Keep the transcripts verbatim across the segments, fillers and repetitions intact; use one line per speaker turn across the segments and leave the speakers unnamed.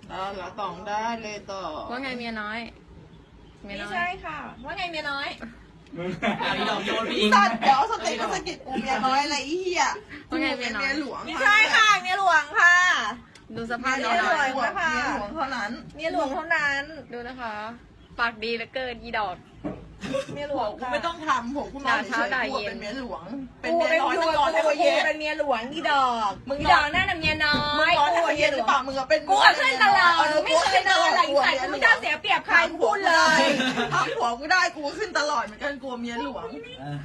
แล้วเราต้องได้เลยต่อ
ว่าไงเมียน้อยเมีย
ไม่
น้อย
ใช่ค่ะว่าไงเมียน้อย
ไอ้ดอกโยนพี่อิง
สัตว์เดี๋ยวสเต็กก็สะกิดกูเมียน้อยอะไรอีเหี้ย
ว่าไงเมียน้อย
เมียหลวง
ไม่ใช่ค่ะเมียหลวงค่ะ
ดูสภาพ
เมี
เมี
ย
ย
หล
น้
ว
อย
งเมียหลวงเท่านั้น
เมียหลวงเท่านั้น
ดูนะคะปากดีเหลือเกินอีดอก
เมียหลวง
กู
ค่ะ
ไม่ต้องทำผมกูนอนเฉยๆกูเป็นเมียหลวง เป็น
กู
เมีย
เป็น
น้อย
กู
มึงนอนให้
กู
เขาเย็น
เป็นเมียหลวงอีดอก
มึง
อี
น
ด
อ
อน กนั่นน่ะเมียน้อ
มึง
ย
นอนให้เขาเย็นหรือเปล่ามึงอะเป็น
กูอะขึ้นตลอดไม่เคยนอนหลังใส่กูไม่กล้าเสียเปรียบใครกูพูดเลย
ทำผัวกูได้กูก็ขึ้นตลอดเหมือนกันกลัวเมียหลวง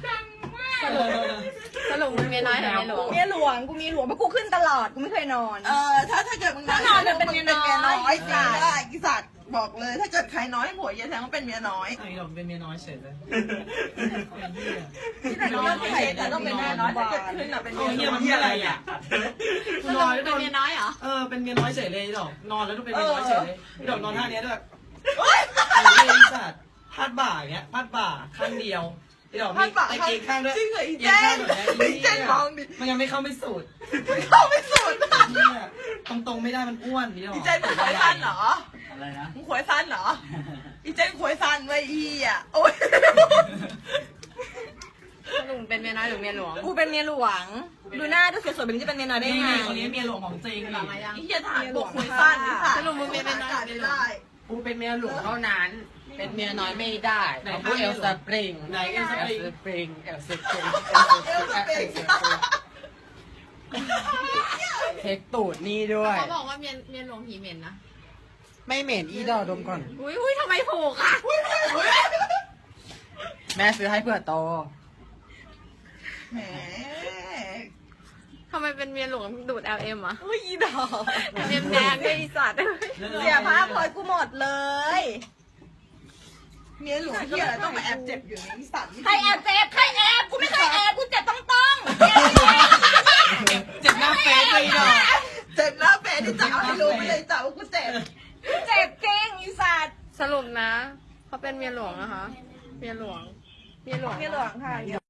สรุปมึงเมียน้อยหรือเมียหลวง
เมียหลวงกูมีหลวงเพราะกูขึ้นตลอดกูไม่เคยนอน
เออถ้าถ้าเกิดมึง
ถ้านอนจะเป็นเมียน้อย
มึงเป็นเมียน้อยจริงได้กิสัตว์บอกเลย ถ้าเกิดใครน้อยผัวเย็นแทงว่าเป็นเมียน้อย
ไอ้ดอกเป็นเมียน้อยเฉยเลย
ที่ไหนต้องเป็นแต่ต้องเป็นเมียน้อยถ้าเกิดขึ้นอะเป็น
เอา
เมีย
เฮีย
น้
มั
อน ย
เฮียอะไรอ่ะ
สรุปมึงเป็นเมียน้อยเหรอ
เออเป็นเมียน้อยเฉยเลยดอกนอนแล้วต้องเป็นเมียน้อยเฉยเลยดอกนอนท่านี้ด้วย
เฮ้ย
ไอ้เหี้ยสัตว์พาดบ่าอย่างเงี้ยพาดบ่าข้างเดียวไอ้ดอก
พั
มี
นบาท
ไอ้เกงข้างด้วย
จริงเหรออี
เก
เจ
งข้าง
น
แบบนี้
อีเจนมองดิ
มันยังไม่เข้าไม่สุด
ไม่เข้าไม่สุด
เนี่ยตรงๆไม่ได้มันอ้วนนี่ดอก
อีเจนมึงขวยสั้นเหรอ
อะไรนะ
มึงขวยสั้นเหรออีเจนขวยสั้นไว้อีอ่ะโอ๊ย
สรุปมึงเป็นเมียน้อยหรือเมียหลวง
กูเป็นเมียหลวง ดูหน้าดูสวยๆแบบนี้จะเป็นเมียน้อยได้
นี่
ไง
คนนี้เมียหลวงของจริง
หลังมายัง
อีเหี้ยทหารบกขวยสั้นนี่ค่ะ
สรุปมึงเป็นเมียน้อยหรือเมียหลวง
ได้
กูเป็นเมียหลวงเท่านั้น เป็นเมียน้อยไม่ได้เอาพูดเอลสปริง
ไหนเอลส
เอ
ปริง
ลสปริงเอลสปริง
เอลสปริง
เทคตูดนี่ด้วย
เขาบอกว่าเมียเมียหลวงผีเหม็นนะ
ไม่เหม็นอีดอดมก่อน
อุ้ยอุ้ยทำไมผูกอ่ะ
แม่ซื้อให้เผื่อโต
แหม
ทำไมเป็นเมียหลวงดูด แอล เอ็ม อ่ะ
อุ้ยอีดอก
เมียแดงด้วยอีสัตว์
เสียภาพพลอยกูหมดเลย
เมียหลวงเหี้ยอะไรต้องมาแอบเจ็บอยู่ในอีสัตว์
ใครแอบเจ็บใครแอบกูไม่เคยแอบกูเจ็บต้องต้อง
เจ็บหน้าเฟซเลยดอก
เจ็บหน้าเฟซที่จะเอาให้รู้ไปเลยจ้าว่ากูเจ็บ
เจ็บจริงอีสัตว์
สรุปนะเขาเป็นเมียหลวงนะคะ เมียหลวง เมียหลวง
เมียหลวงค่ะ